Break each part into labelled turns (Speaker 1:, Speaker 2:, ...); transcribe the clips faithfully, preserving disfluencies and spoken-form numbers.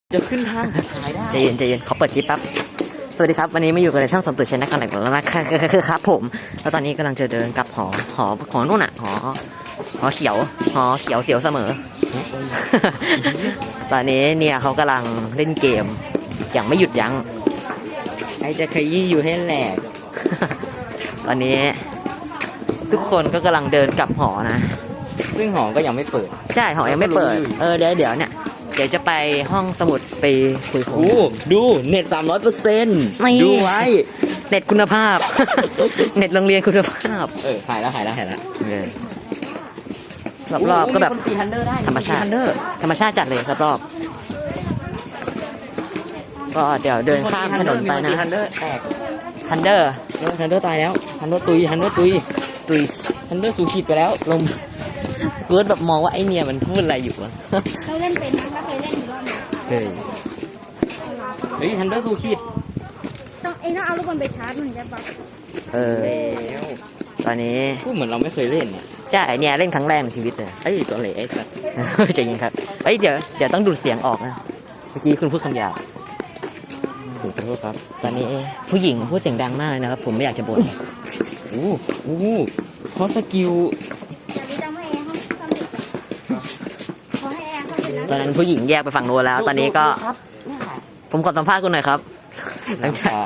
Speaker 1: จะขึ้นทางขายได้
Speaker 2: ใจเย็นใจเย็นขอเปิดคลิปแป๊บสวัสดีครับวันนี้มาอยู่กันในช่องสมตุชนะกันอีกแล้วนะครับผมแล้วตอนนี้กำลังจะเดินกลับหอหอหอนู่นอ่ะหอหอเขียวหอเขียวเสียวเสมอ ตอนนี้เนี่ยเขากำลังเล่นเกมอย่างไม่หยุดยั้ง
Speaker 1: ไอจะขยี้อยู่ให้แหลก
Speaker 2: ตอนนี้ทุกคนก็กำลังเดินกลับหอนะ
Speaker 1: ซึ่งหอก็ยังไม่เปิด
Speaker 2: ใช่หอยังไม่เปิดเออเดี๋ยวเดี๋ยวเนี่ยเดี๋ยวจะไปห้องสมุดไปคุยคุย
Speaker 1: ดูเน็ตสามร้อยเปอร์เซ็นต์ดูไว้
Speaker 2: เน็ตคุณภาพ เน็ตโรงเรียนคุณภาพ
Speaker 1: เออหายแล้วหายแล้วหายแล้ว
Speaker 2: รอบๆก็แบบธรรมชาติธรรมชาติจัดเลยรอบๆก็เดี๋ยวเดินข้ามถนนไปนะ
Speaker 1: ทันเดอร์แตก
Speaker 2: ทันเดอร์
Speaker 1: ทันเดอร์ตายแล้วทันเดอร์ตุยทันเดอร์ตุย
Speaker 2: ตุย
Speaker 1: ทันเดอร์สูขีดไปแล้ว
Speaker 2: ลงเกิดแบบมองว่าไอเนี่ยมันพูดอะไรอยู่อะ
Speaker 3: เราเล่นเป็นนะเราเคยเล่นอยู่รอบนึง
Speaker 2: เฮ้ย
Speaker 1: เฮ้ยทันเดอร์สูขีด
Speaker 3: ต้องเอ็งต้องเอาลูกบอลไปชาร์จมันใช่ปะ
Speaker 2: เออตอนนี้
Speaker 1: พูดเหมือนเราไม่เคยเล่นเนี่ย
Speaker 2: ใช่เนี่ยเล่นครั้งแรกในชีวิตเลย
Speaker 1: ไอ้ตัวเหล่ไอ้สัส
Speaker 2: ใจเย็นครับเอ้ยเดี๋ยวเดี๋ยวต้องดูดเสียงออกนะเมื่อกี้คุณพูดคำหยาบ
Speaker 1: ถูกต้องครับ
Speaker 2: ตอนนี้ผู้หญิงพูดเสียงดังมากเลยนะครับผมไม่อยากจะบ่น
Speaker 1: โอ้โหเพราะสกิล
Speaker 2: ตอนนั้นผู้หญิงแยกไปฝั่งโน้นแล้ว ตอนนี้ก็ผมขอสัมภาษณ์คุณหน่อยครับ
Speaker 1: หลังจาก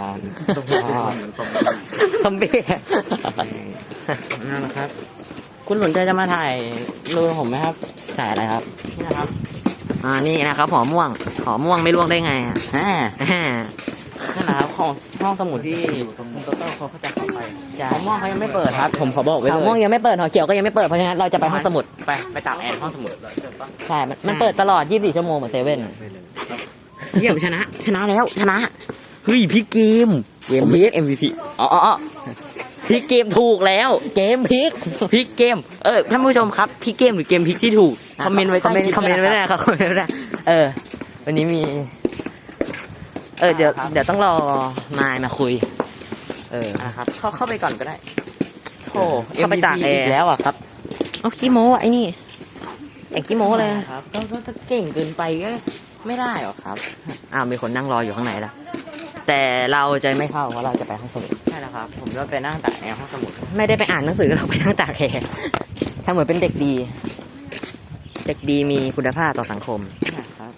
Speaker 2: ซอมบี้
Speaker 1: นั่นแหละครับคุณสนใจจะมาถ่ายรูปผมไหมครับ
Speaker 2: ถ่ายอะไรครับ
Speaker 1: นี่นะครับ
Speaker 2: อ่านี่นะครับหอม่วงหอม่วงไม่ล่วงได้ไงอ่ะ
Speaker 1: นั่นแหละครับของห้องสมุดที่คุณโตโต้เขาจะเข้าไปหอม่วงเขายังไม่เปิดครับผมขอบอกไว้เลย
Speaker 2: หอม่วงยังไม่เปิดหอเขียวก็ยังไม่เปิดเพราะฉะนั้นเราจะไปห้องสมุด
Speaker 1: ไปไปตากแอร์ห้องสมุด
Speaker 2: ใช่มันเปิดตลอดยี่สิบสี่ชั่วโมงเหมือนเซเว่น
Speaker 1: เยี่ยมชนะชนะแล้วชนะเฮ้ยพี่เกม
Speaker 2: เกมพีค
Speaker 1: เอ็ม วี พี อ๋ออ๋อพี่เกมถูกแล้ว
Speaker 2: เกมพีค
Speaker 1: พี่เกมเออท่านผู้ชมครับพี่เกมหรือเกมพีคที่ถูกคอมเมนต์ไว้
Speaker 2: คอมเมนต์คอมเมนต์ไว้ได้ครับคอมเมนต์ไว้ได้เออวันนี้มีเออเดี๋ยวเดี๋ยวต้องรอนายมาคุย
Speaker 1: เออนะครับเข้าเข้าไปก่อนก็ได้โธ่
Speaker 2: เข้าไปตากแอร์
Speaker 1: แล้วอ่ะครับ
Speaker 2: เอาขี้โม้ไอ้นี่ไอ้ขี้โม้เลย
Speaker 1: ครับก็ถ้าเก่งเกินไปก็ไม่ได้หรอครับ
Speaker 2: อ้าวมีคนนั่งรออยู่ข้างในแล้วแต่เราจะไม่เข้าเพราะเราจะไปห้องสมุด
Speaker 1: ใช่แล้วครับผมจะไปนั่งตากแอร์ห้องสมุด
Speaker 2: ไม่ได้ไปอ่านหนังสือเราไปนั่งตากแอร์ทำเหมือนเป็นเด็กดีเด็กดีมีคุณภาพต่อสังคม
Speaker 1: ครับ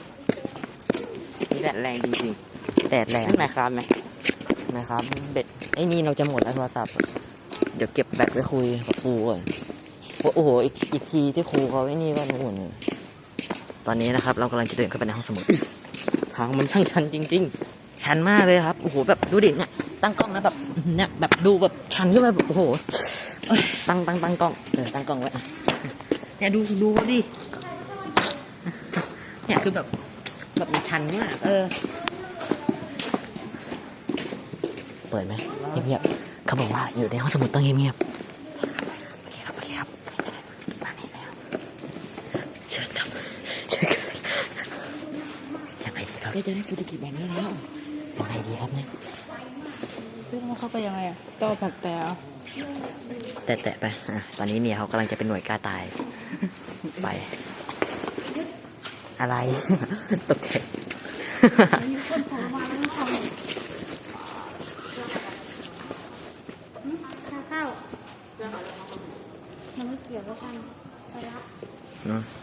Speaker 1: แดดแรงจริง
Speaker 2: ๆแดดแรง
Speaker 1: นั่นหมายความไหม
Speaker 2: นะครับเบ็ดไอ้นี่เราจะหมดแล้วโทรศัพท์เดี๋ยวเก็บแบตไว้คุยกับครูก่อนโอ้โหอีกอีกทีที่ครูเขาไอ้นี่ก็นู่นตอนนี้นะครับเรากำลังจะเดินเข้าไปในห้องสมุด
Speaker 1: ทางมันช่างชันจริง
Speaker 2: ๆชันมากเลยครับโอ้โหแบบดูดิเนี่ยตั้งกล้องนะแบบเนี่ยแบบดูแบบชันขึ้นมาแบบโอ้โห
Speaker 1: ตั้งตั้งตั้งกล้อง
Speaker 2: เออตั้งกล้องไว้เนี่ยดูดูเขาดิเนี่ยคือแบบแบบมันชันมากเออเปิดไหมเงียบๆเขาบอกว่าอยู่ในห้องสมุดต้องเงียบๆโอเคครับโอเคครับมานี่แล้วเชิญครับเชิญครับยังไงดีครับ
Speaker 1: จะได้ฟูจิกิแบบนี้แล้ว
Speaker 2: ยังไงดีครับเนี่ย
Speaker 3: เรื่องมันเข้าไปยังไงอ่ะต่อผักแต่
Speaker 2: แต่แต่ไปอ่ะตอนนี้เนี่ยเขากำลังจะเป็นหน่วยกล้าตายไปอะไรตกใจ
Speaker 3: ข้าวมันไม่เกี่ยวกับกันไปละ